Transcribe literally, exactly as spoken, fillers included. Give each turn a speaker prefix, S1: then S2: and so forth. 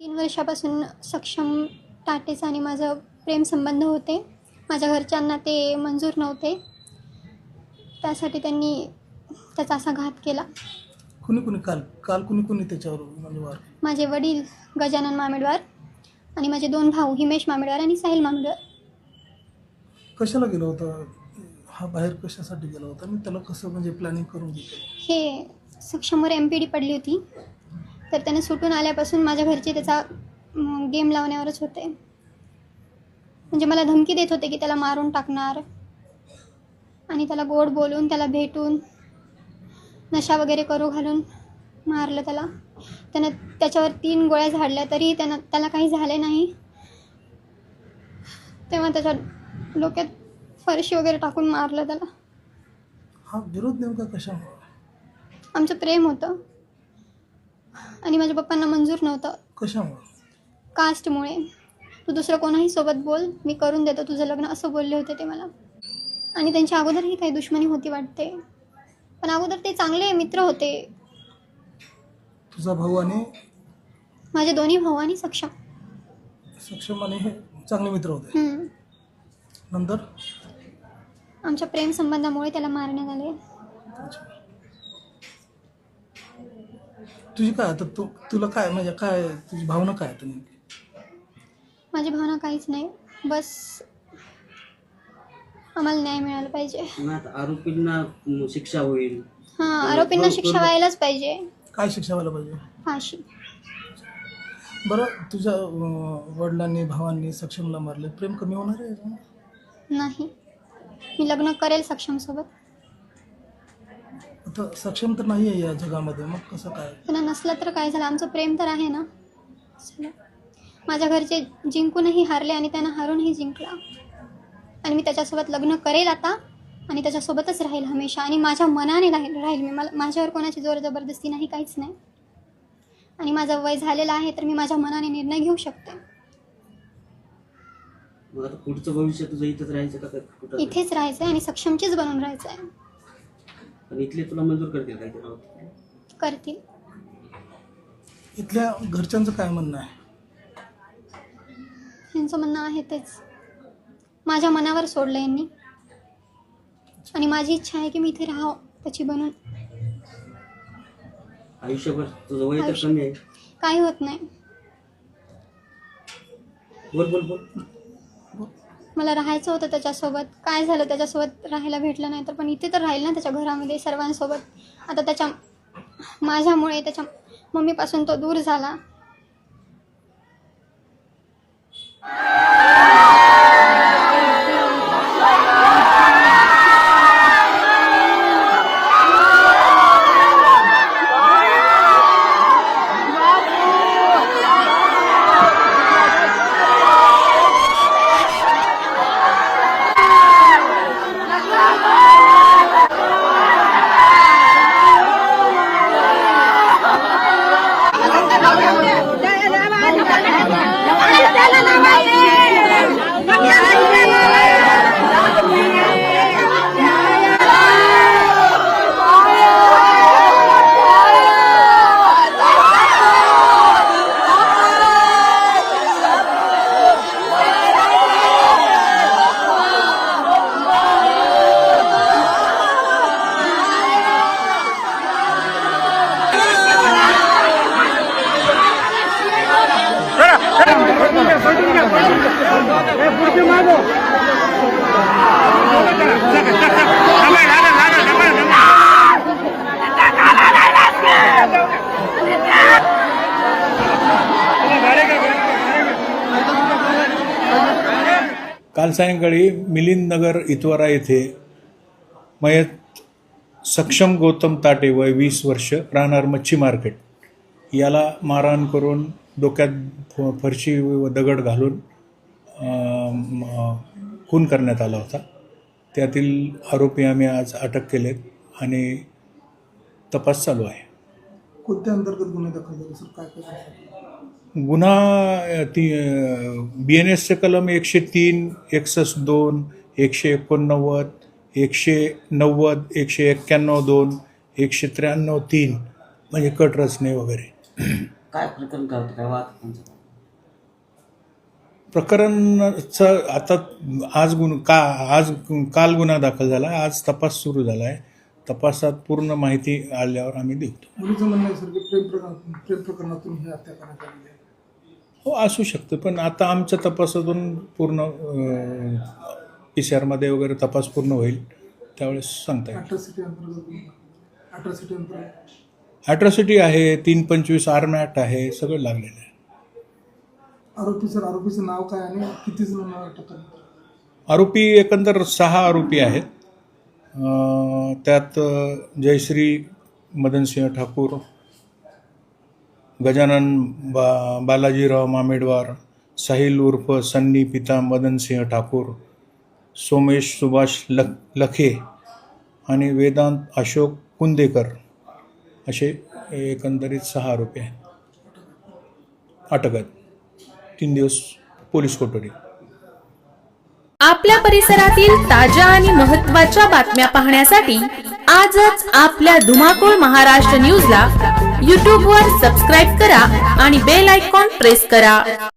S1: तीन वर्षापासून सक्षम टाटेचं आणि माझं प्रेमसंबंध होते. माझ्या घरच्यांना ते मंजूर नव्हते. त्यासाठी त्यांनी त्याचा असा घात केला.
S2: कुणी कुणी काल काल कुणी कुणी त्याच्यावर म्हणजे वार?
S1: माझे वडील गजानन मामेडवार आणि माझे दोन भाऊ हिमेश मामेडवार आणि साहिल मामेडवार.
S2: कशाला गेला होता हा बाहेर, कशासाठी गेला होता आणि त्याला कसं म्हणजे प्लॅनिंग करून घेतलं?
S1: हे सक्षमवर एम पी डी पडली होती, तर त्याने सुटून आल्यापासून माझ्या घरचे त्याचा गेम लावण्यावरच होते. म्हणजे मला धमकी देत होते की त्याला मारून टाकणार आणि त्याला गोड बोलून त्याला भेटून नशा वगैरे करू घालून मारलं त्याला. त्यानं त्याच्यावर तीन गोळ्या झाडल्या तरी त्यानं त्याला काही झाले नाही. तेव्हा त्याच्या डोक्यात फरशी वगैरे टाकून मारलं त्याला.
S2: हा विरोध नेमका कशामुळे?
S1: आमचं प्रेम होतं आणि माझ्या पप्पांना मंजूर नव्हतं.
S2: कशामुळे?
S1: कास्टमुळे. तू दुसरं कोणाही सोबत बोल, मी करून देतो तुझं लग्न, असं बोलले होते ते मला. आणि त्यांच्या अगोदरही काही दुश्मनी होती वाटते, पण अगोदर ते चांगले मित्र होते.
S2: तुझा भाऊ आणि
S1: माझे दोन्ही भाऊ आणि सक्षम
S2: सक्षम आणि हे चांगले मित्र होते.
S1: हम्म.
S2: नंतर
S1: आमच्या प्रेम संबंधामुळे त्याला मारण्यात आले.
S2: तुझी काय आता तू तुला काय म्हणजे काय तुझी भावना काय आता नेमकी?
S1: माझी भावना काहीच नाही, बस आम्हाला न्याय मिळाला पाहिजे.
S3: आरोपींना शिक्षा होईल.
S1: हां, आरोपींना शिक्षा व्हायलाच पाहिजे.
S2: काय शिक्षा व्हायला पाहिजे?
S1: फाशी.
S2: बरं, तुझ्या अं, वडिलांनी भावांनी सक्षमला मारले, प्रेम कमी होणार आहे याच्यानं?
S1: नाही, मी लग्न करेल सक्षमसोबत.
S2: आता सक्षम तर नाही आहे या जगामध्ये, मग कसं काय?
S1: त्यांना नसलं तर काय झालं, आमचं प्रेम तर आहे ना. चला. माझ्या घरचे जिंकूनही हारले आणि त्यांना हारूनही जिंकला. आणि मी त्याच्यासोबत लग्न करेल आता आणि त्याच्यासोबतच राहील हमेशा. आणि माझ्या मनाने राहील राहील मी. मला माझ्यावर कोणाची जोर जबरदस्ती नाही, काहीच नाही. आणि माझं वय झालेलं आहे तर मी माझ्या मनाने निर्णय घेऊ शकते.
S3: मग आता पुढचं भविष्य तुझं इथंच राहायचं का कुठं?
S1: इथेच राहायचं आहे आणि सक्षमचीच बनून राहायचं आहे.
S3: पण इथले तुला मंजूर करतील काय?
S1: करतील.
S2: इथल्या घरच्यांचं काय म्हणणं आहे?
S1: यांचं म्हणणं आहे तेच. माझ्या मनावर सोडलं यांनी आणि माझी इच्छा आहे की मी इथे राहावं त्याची बनून.
S3: आयुष्यभर तुझं वय तर कमी आहे.
S1: काही होत नाही.
S3: बोल बोल बोल.
S1: मला राहायचं होतं त्याच्यासोबत. काय झालं, त्याच्यासोबत राहायला भेटलं नाही तर पण इथे तर राहील ना त्याच्या घरामध्ये सर्वांसोबत. आता त्याच्या माझ्यामुळे त्याच्या मम्मीपासून तो दूर झाला.
S4: काल सायंकाळी मिलिंद नगर इतवारा येथे मयत सक्षम गौतम ताटे वय वीस वर्ष राहणार मच्छी मार्केट याला मारहाण करून डोक्यात फरशी व दगड घालून खून करण्यात आला होता. त्यातील आरोपी आम्ही आज अटक केलेत आणि तपास चालू आहे.
S2: कोणत्या अंतर्गत गुन्हे दाखल झाले सर? काय काय
S4: गुन्हा ती बी एन एसचे कलम एकशे तीन एकसष्ट दोन एकशे एकोणनव्वद एकशे नव्वद एकशे एक्क्याण्णव दोन एकशे त्र्याण्णव तीन म्हणजे कट रचने वगैरे.
S3: काय प्रकरण काय होतं, काय वाद त्यांचा?
S4: प्रकरणाचं आता आज गुन्हा का आज काल गुन्हा दाखल झाला, आज तपास सुरू झाला आहे. तपासात पूर्ण माहिती आल्यावर आम्ही देतो.
S2: मुलीचं म्हणणं आहे सर की प्रेम प्रकरण प्रेम प्रकरणातून ही हत्या करण्यात आलेली आहे.
S4: हो असू शकतं, पण आता आमच्या तपासातून पूर्ण पी सी आरमध्ये वगैरे तपास पूर्ण होईल त्यावेळेस सांगता येईल.
S2: अट्रॉसिटी अंतर्गत अट्रॉसिटी अंतर्गत
S4: ॲट्रॉसिटी आहे, तीन पंचवीस आर्म ॲक्ट आहे, सगळं लागलेलं आहे.
S2: आरोपी सर आरोपीचं नाव काय आणि किती जणांना अटक करण्यात आली?
S4: आरोपी एकंदर सहा आरोपी आहेत. अं, त्यात जयश्री मदनसिंह ठाकूर, गजानन बा बालाजीराव मामेडवार, साहिल उर्फ सन्नी पिता मदनसिंह ठाकूर, सोमेश सुभाष लख लखे आणि वेदांत अशोक कुंदेकर असे एकंदरीत सहा आरोपी आहेत. अटक आहेत. तीन दिवस पोलीस कोठडी.
S5: आपल्या परिसरातील ताज्या आणि महत्त्वाच्या बातम्या पाहण्यासाठी आजच आपल्या धुमाकूळ महाराष्ट्र न्यूजला यूट्यूबवर सबस्क्राईब करा आणि बेल आयकॉन प्रेस करा.